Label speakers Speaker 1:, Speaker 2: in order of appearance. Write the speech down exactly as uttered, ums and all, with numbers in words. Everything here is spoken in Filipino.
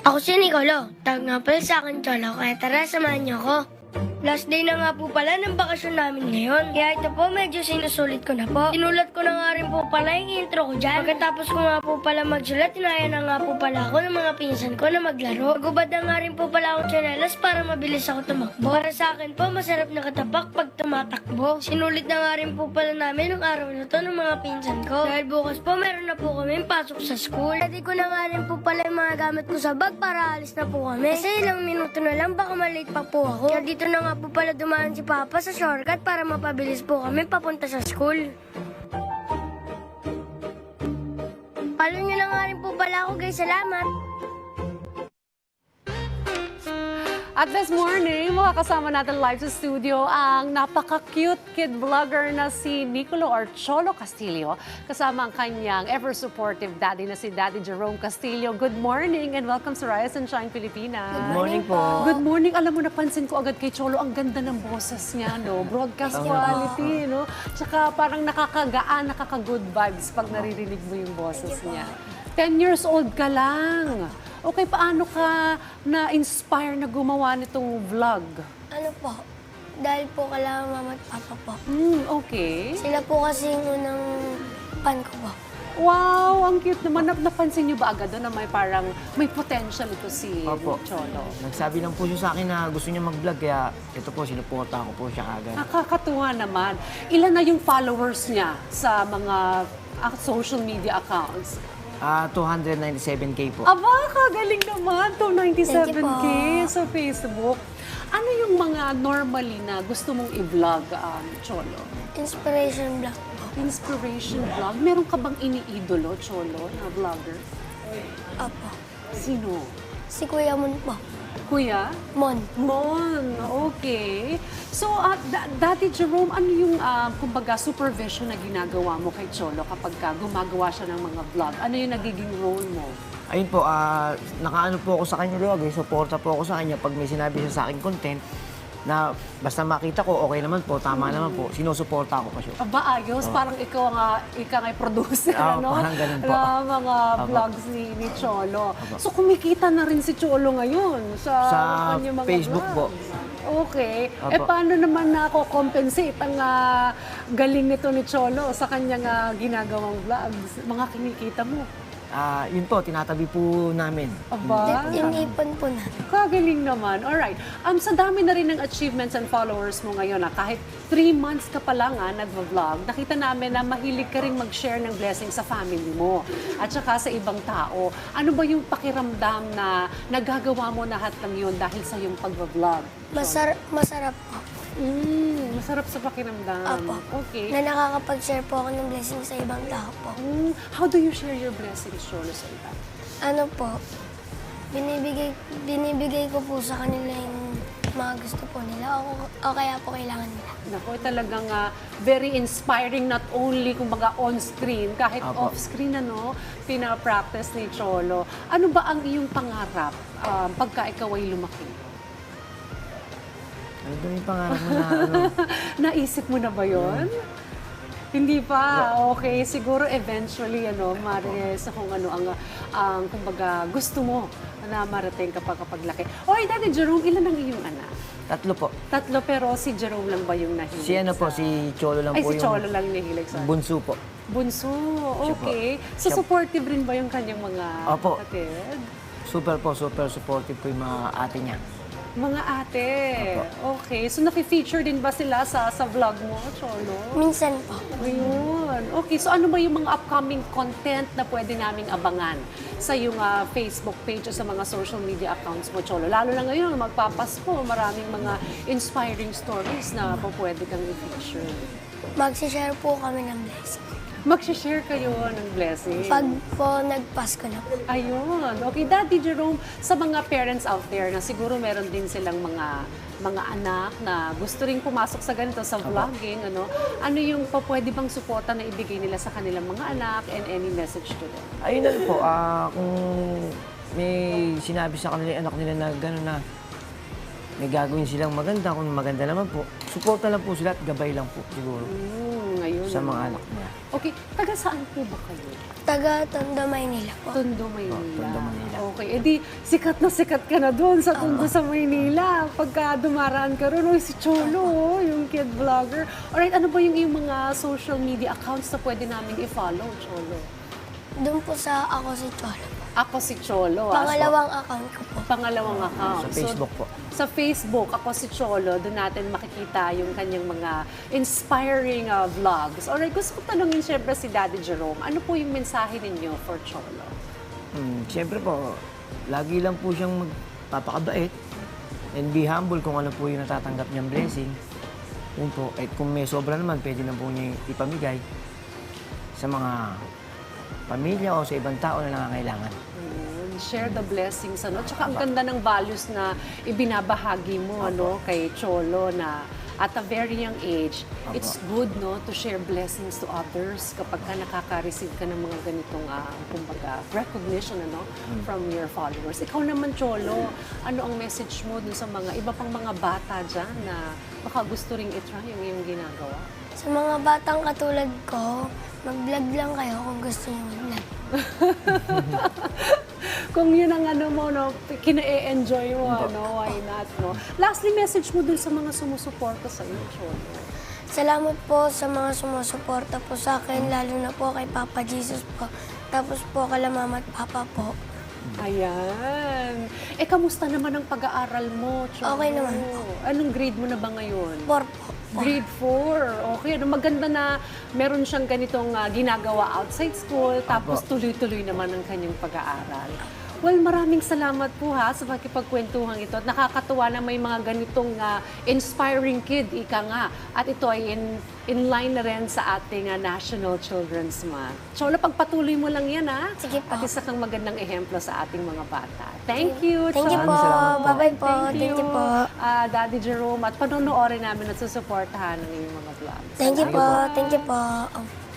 Speaker 1: Ako si Nicolo. Tawag nga pala sa akin, Cholo. Kaya tara, samahan niyo ako. Last day na nga po pala ng bakasyon namin ngayon. Kaya ito po, medyo sinusulit ko na po. Sinulat ko na nga rin po pala yung intro ko dyan. Pagkatapos ko nga po pala magsulat, tinaya na nga po pala ako ng mga pinsan ko na maglaro. Magubad na nga rin po pala akong tsinelas para mabilis ako tumakbo. Para sa akin po, masarap na katapak pag tumatakbo. Sinulit na nga rin po pala namin ng araw na to ng mga pinsan ko. Dahil bukas po, meron na po kami pasok sa school. Ready ko na nga rin po pala yung mga gamit ko sa bag para alis na po kami. Kasi ilang minuto na lang, baka malate pa po ako. Kaya dito na nga po pala dumaan si Papa sa shortcut para mapabilis po kami papunta sa school. Follow nyo na nga rin po pala ako guys. Salamat!
Speaker 2: At this morning, makakasama natin live sa studio ang napaka-cute kid vlogger na si Nicolo or Cholo Castillo, kasama ang kanyang ever-supportive daddy na si Daddy Jerome Castillo. Good morning and welcome sa Rise and Shine Pilipinas.
Speaker 3: Good morning po.
Speaker 2: Good morning. Alam mo, napansin ko agad kay Cholo, ang ganda ng boses niya, no? Broadcast quality, no? Tsaka parang nakakagaan, nakaka-good vibes pag naririnig mo yung boses niya. ten years old ka lang. Okay, paano ka na-inspire na gumawa nitong vlog?
Speaker 1: Ano po? Dahil po kailangan mama at papa po.
Speaker 2: Hmm, okay.
Speaker 1: Sila po kasi yung unang pan ko po.
Speaker 2: Wow, ang cute naman. Nap- Napansin niyo ba agad doon na may parang may potential ito si
Speaker 3: Opo.
Speaker 2: Cholo?
Speaker 3: Nagsabi lang po siya sa akin na gusto niya mag-vlog, kaya ito po, sinuporta ko po siya agad.
Speaker 2: Nakakatuwa naman. Ilan na yung followers niya sa mga ah, social media accounts?
Speaker 3: Ah, two hundred ninety-seven K po.
Speaker 2: Aba, kagaling naman. two ninety-seven K
Speaker 1: Thank you po.
Speaker 2: sa Facebook. Ano yung mga normally na gusto mong i-vlog, um, Cholo?
Speaker 1: Inspiration vlog po.
Speaker 2: Inspiration vlog? Meron ka bang iniidolo, Cholo, na vlogger?
Speaker 1: Apo.
Speaker 2: Sino?
Speaker 1: Si Kuya Mon po.
Speaker 2: Kuya?
Speaker 1: Mon.
Speaker 2: Mon, okay. So, uh, Da- Daddy Jerome, ano yung, uh, kumbaga, supervision na ginagawa mo kay Cholo kapag ka gumagawa siya ng mga vlog? Ano yung nagiging role mo?
Speaker 3: Ayun po, ah, nakaano po ako sa kanya lagi, suporta po ako sa kanya pag may sinabi siya sa akin content na basta makita ko, okay naman po, tama naman po, sinusuporta ko pa siya.
Speaker 2: Aba, ayos. Parang ikaw nga, ikaw nga producer,
Speaker 3: Oo,
Speaker 2: ano?
Speaker 3: parang ganun po.
Speaker 2: Na mga
Speaker 3: Opo.
Speaker 2: vlogs ni, ni Cholo. So, kumikita na rin si Cholo ngayon sa,
Speaker 3: Sa
Speaker 2: kanyang mga
Speaker 3: Facebook po.
Speaker 2: vlogs. Okay.
Speaker 3: Opo.
Speaker 2: Eh, paano naman nako-compensate ang ah, galing nito ni Cholo sa kanyang ah, ginagawang vlogs? Mga kinikita mo?
Speaker 3: Ah, yun po, tinatabi po namin.
Speaker 2: Aba?
Speaker 1: Inipon po na.
Speaker 2: Kagaling naman. Alright. Um, sa dami na rin ng achievements and followers mo ngayon, ah, kahit three months ka pa lang ah, nag-vlog, nakita namin na mahilig ka rin mag-share ng blessing sa family mo at saka sa ibang tao. Ano ba yung pakiramdam na nagagawa mo lahat ng yun dahil sa yung pag-vlog?
Speaker 1: Masar masarap po.
Speaker 2: Mm, masarap sa pakiramdam.
Speaker 1: Apo.
Speaker 2: Okay.
Speaker 1: Na nakakapag-share po ako ng blessing sa ibang tao po.
Speaker 2: Mm, how do you share your blessings, Cholo, sa iba?
Speaker 1: Ano po, binibigay, binibigay ko po sa kanila yung mga gusto po nila o, o kaya po kailangan nila.
Speaker 2: Naku, talagang ah, very inspiring not only kumbaga on-screen, kahit
Speaker 3: Apo.
Speaker 2: off-screen, ano, pinapractice ni Cholo. Ano ba ang iyong pangarap um, pagka ikaw ay lumaki?
Speaker 3: Ano daw yung pangarap mo na ano?
Speaker 2: Naisip mo na ba yon? Hindi pa. Okay, siguro eventually, ano, marites kung ano ang, ang kumbaga, gusto mo na marating kapag kapag laki. Oy, Daddy Jerome, ilan ang iyong anak?
Speaker 3: Tatlo po.
Speaker 2: Tatlo, pero si Jerome lang ba yung nahilig?
Speaker 3: Si ano po,
Speaker 2: sa-
Speaker 3: si Cholo lang
Speaker 2: Ay,
Speaker 3: po
Speaker 2: si
Speaker 3: yung
Speaker 2: Cholo lang nahilig sa...
Speaker 3: bunso po.
Speaker 2: Bunso, okay. So,
Speaker 3: Siya-
Speaker 2: supportive rin ba yung kanyang mga
Speaker 3: Opo.
Speaker 2: kapatid?
Speaker 3: Super po, super supportive po yung mga ate niya.
Speaker 2: Mga ate. Okay. So, nafe-feature din ba sila sa sa vlog mo, Cholo?
Speaker 1: Minsan po.
Speaker 2: Ayun. Okay. So, ano ba yung mga upcoming content na pwede naming abangan sa yung ah, Facebook page o sa mga social media accounts mo, Cholo? Lalo na ngayon, magpapasko, maraming mga inspiring stories na po pwede kang i-feature.
Speaker 1: Magsishare po kami ng blessing.
Speaker 2: Mag-share kayo ng blessing.
Speaker 1: Pag po nagpasko na po.
Speaker 2: Ayun. Okay, Daddy Jerome, sa mga parents out there na siguro meron din silang mga mga anak na gusto ring pumasok sa ganito, sa vlogging, ano, ano yung pa pwede bang suporta na ibigay nila sa kanilang mga anak and any message to them?
Speaker 3: Ayun na rin po, ah, kung may sinabi sa kanila yung anak nila na gano'n na may gagawin silang maganda, kung maganda naman po, suporta lang po sila at gabay lang po siguro
Speaker 2: Mm, ayun.
Speaker 3: sa mga anak niya.
Speaker 2: Okay, taga saan po ba kayo?
Speaker 1: Taga Tondo, Maynila po.
Speaker 2: Tondo, Maynila.
Speaker 3: Oh, Tondo, Maynila.
Speaker 2: Okay, edi sikat na sikat ka na doon sa Tondo sa Maynila. Pagka dumaraan ka ron, oy, si Cholo, oh, yung kid vlogger. Alright, ano ba yung, yung mga social media accounts na pwede namin i-follow, Cholo?
Speaker 1: Doon po sa ako si Cholo po.
Speaker 2: Ako si Cholo. ah.
Speaker 1: Pangalawang account ko po.
Speaker 2: Pangalawang account.
Speaker 3: Sa Facebook po.
Speaker 2: Sa Facebook, ako si Cholo, doon natin makikita yung kanyang mga inspiring uh, vlogs. Alright, gusto ko tanungin siyempre si Daddy Jerome, ano po yung mensahe ninyo for Cholo?
Speaker 3: Hmm, Siyempre po, lagi lang po siyang magpapakabait and be humble kung ano po yung natatanggap niyang blessing. Yun po. At kung may sobra naman, pwede na po niya ipamigay sa mga pamilya o sa ibang tao na nangangailangan.
Speaker 2: Ayun, share the blessings, ano? Tsaka ang ganda ng values na ibinabahagi mo, ano, kay Cholo na at a very young age,
Speaker 3: Apo.
Speaker 2: it's good, no, to share blessings to others kapag ka nakaka-receive ka ng mga ganitong, uh, kumbaga, recognition, ano, from your followers. Ikaw naman, Cholo, ano ang message mo dun sa mga iba pang mga bata dyan na baka gusto ring itry yung iyong ginagawa?
Speaker 1: Sa mga batang katulad ko, mag-vlog lang kayo kung gusto niyo mag-vlog.
Speaker 2: Kung yun ang ano mo, no, kina-enjoy mo, ano, why not, no? Lastly, message mo dun sa mga sumusuporta sa iyo, Cholo.
Speaker 1: Salamat po sa mga sumusuporta po sa akin, lalo na po kay Papa Jesus po. Tapos po kay Mama at Papa po.
Speaker 2: Ayan. Eh, kamusta naman ang pag-aaral mo, Cholo?
Speaker 1: Okay naman po.
Speaker 2: Anong grade mo na ba ngayon?
Speaker 1: Four po.
Speaker 2: Grade four. Okay, ano, maganda na meron siyang ganitong ah, ginagawa outside school, tapos
Speaker 3: Apo.
Speaker 2: tuloy-tuloy naman ang kanyang pag-aaral. Well, maraming salamat po ha sa pakipagkwentuhan ito. At nakakatuwa na may mga ganitong ah, inspiring kid, ika nga. At ito ay in, in line na rin sa ating ah, National Children's Month. Cholo, pagpatuloy mo lang yan ha.
Speaker 1: Sige po.
Speaker 2: At isa kang magandang ehemplo sa ating mga bata. Thank you,
Speaker 1: Thank you
Speaker 2: Cholo.
Speaker 1: po.
Speaker 3: Maraming salamat po.
Speaker 1: Bye-bye po. Thank you po.
Speaker 2: ah, Daddy Jerome. At panonoodin namin at susuportahan ng iyong mga vlogs.
Speaker 1: Thank you
Speaker 3: Thank you
Speaker 1: po.
Speaker 3: po.
Speaker 1: Thank you po.